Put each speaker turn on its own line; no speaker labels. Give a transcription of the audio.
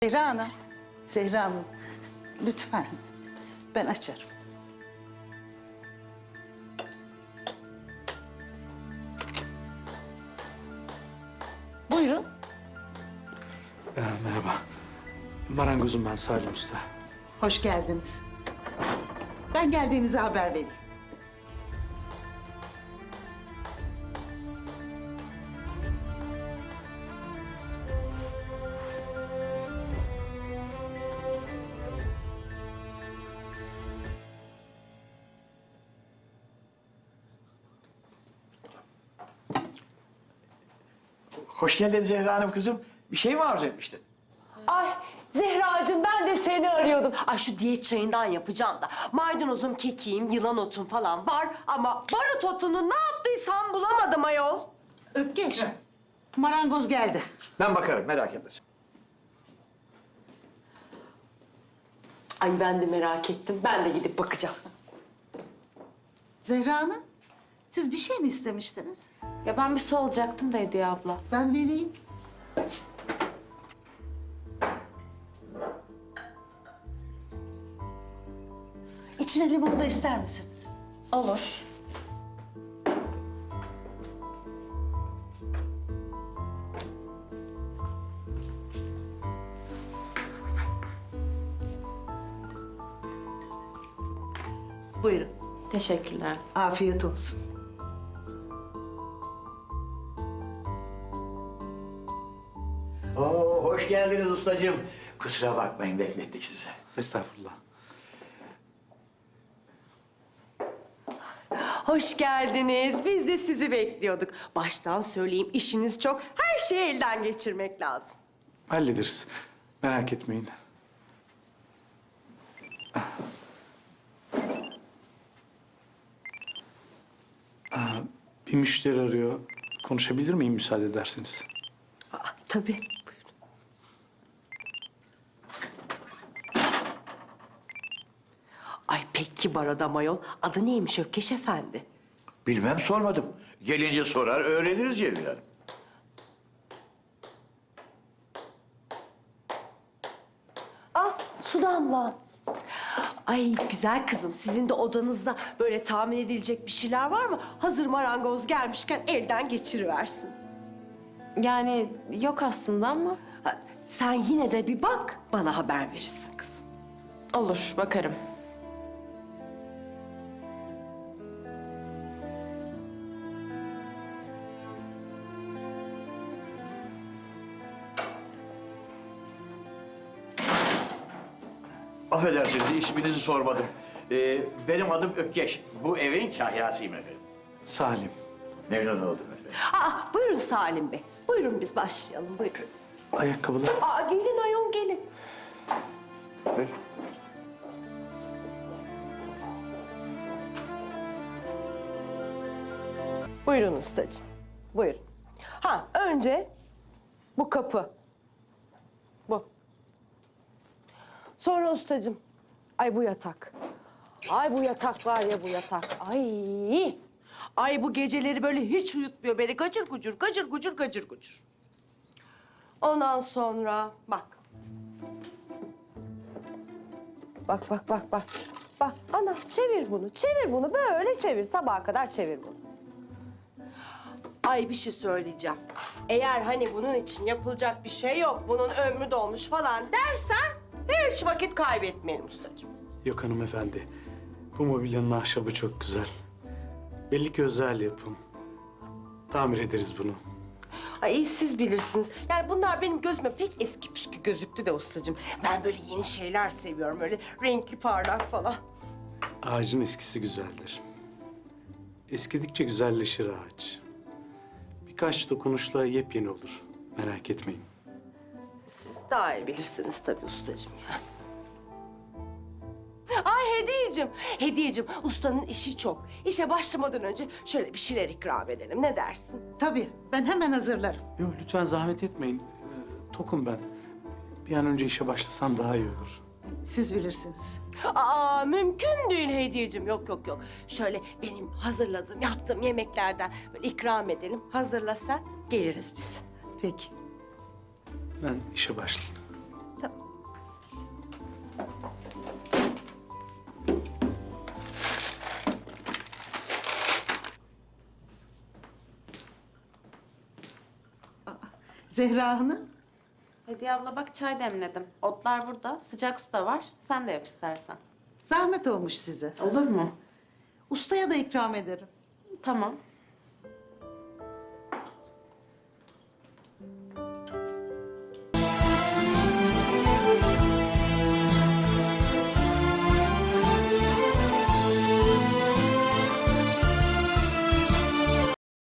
Zehra Hanım, Zehra Hanım lütfen ben açarım. Buyurun.
Merhaba. Marangozum ben Salim Usta.
Hoş geldiniz. Ben geldiğinizi haber vereyim.
Hoş geldin Zehra Hanım kızım. Bir şey mi arzu etmiştin?
Ay Zehracığım ben de seni arıyordum. Ay şu diyet çayından yapacağım da. Maydanozum, kekiğim, yılan otum falan var ama barut otunu ne yaptıysam bulamadım ayol.
Ökkeş, marangoz geldi.
Ben bakarım, merak etme.
Ay ben de merak ettim. Ben de gidip bakacağım.
Zehra Hanım, siz bir şey mi istemiştiniz?
Ya ben bir su alacaktım da Hediye abla.
Ben vereyim. İçine limon da ister misiniz?
Olur.
Buyurun,
Teşekkürler.
afiyet olsun.
Oo, hoş geldiniz ustacığım. Kusura bakmayın, beklettik sizi.
Estağfurullah.
Hoş geldiniz. Biz de sizi bekliyorduk. Baştan söyleyeyim işiniz çok. Her şeyi elden geçirmek lazım.
Hallederiz. Merak etmeyin. Bir müşteri arıyor. Konuşabilir miyim müsaade ederseniz?
Aa, tabii. Buyurun. Ay pek kibar adam ayol. Adı neymiş Ökkeş Efendi?
Bilmem, sormadım. Gelince sorar, öğreniriz Cemil Hanım.
Ah Su damla. Ay güzel kızım sizin de odanızda böyle tahmin edilecek bir şeyler var mı? Hazır marangoz gelmişken elden geçiriversin.
Yani yok aslında ama
Ha, sen yine de bir bak bana haber verirsin kızım.
olur bakarım.
Affedersiniz, isminizi sormadım. Benim adım Ökkeş. Bu evin kahyasıyım efendim.
Salim.
Memnun oldum efendim.
Aa buyurun Salim Bey. Buyurun biz başlayalım buyurun.
Ayakkabılar.
Aa gelin ayol gelin.
Buyur.
Buyurun ustacığım. Buyurun. Ha önce bu kapı. Bu. Sonra ustacığım. Ay bu yatak. Ay bu yatak var ya bu yatak. Ay. Ay bu geceleri böyle hiç uyutmuyor beni. Gacır gucur, gacır gucur, gacır gucur. Ondan sonra bak. Bak bak bak bak. Bak ana çevir bunu, çevir bunu. Böyle çevir, sabaha kadar çevir bunu. Ay bir şey söyleyeceğim. Eğer hani bunun için yapılacak bir şey yok, bunun ömrü dolmuş falan dersen hiç vakit kaybetmeyelim ustacığım.
Yok hanımefendi. Bu mobilyanın ahşabı çok güzel. Belli ki özel yapım. Tamir ederiz bunu.
Ay siz bilirsiniz. Yani bunlar benim gözüme pek eski püskü gözüktü de ustacığım. Ben böyle yeni şeyler seviyorum, öyle renkli parlak falan.
Ağacın eskisi güzeldir. Eskidikçe güzelleşir ağaç. Birkaç dokunuşla yepyeni olur. Merak etmeyin.
Siz daha iyi bilirsiniz tabii ustacığım ya. Ay Hediyeciğim, ustanın işi çok. İşe başlamadan önce şöyle bir şeyler ikram edelim. Ne dersin?
Tabii, ben hemen hazırlarım.
Yok lütfen zahmet etmeyin. Tokum ben. Bir an önce işe başlasam daha iyi olur.
Siz bilirsiniz.
Aa mümkün değil Hediyeciğim. Yok. Şöyle benim hazırladığım, yaptığım yemeklerden böyle ikram edelim. Hazırla sen, geliriz biz.
Peki.
Ben işe başlayayım.
Tamam.
Zehra Hanım.
Hediye abla bak çay demledim. Otlar burada, sıcak su da var. Sen de yap istersen.
Zahmet olmuş size.
Olur mu?
Ustaya da ikram ederim.
Tamam.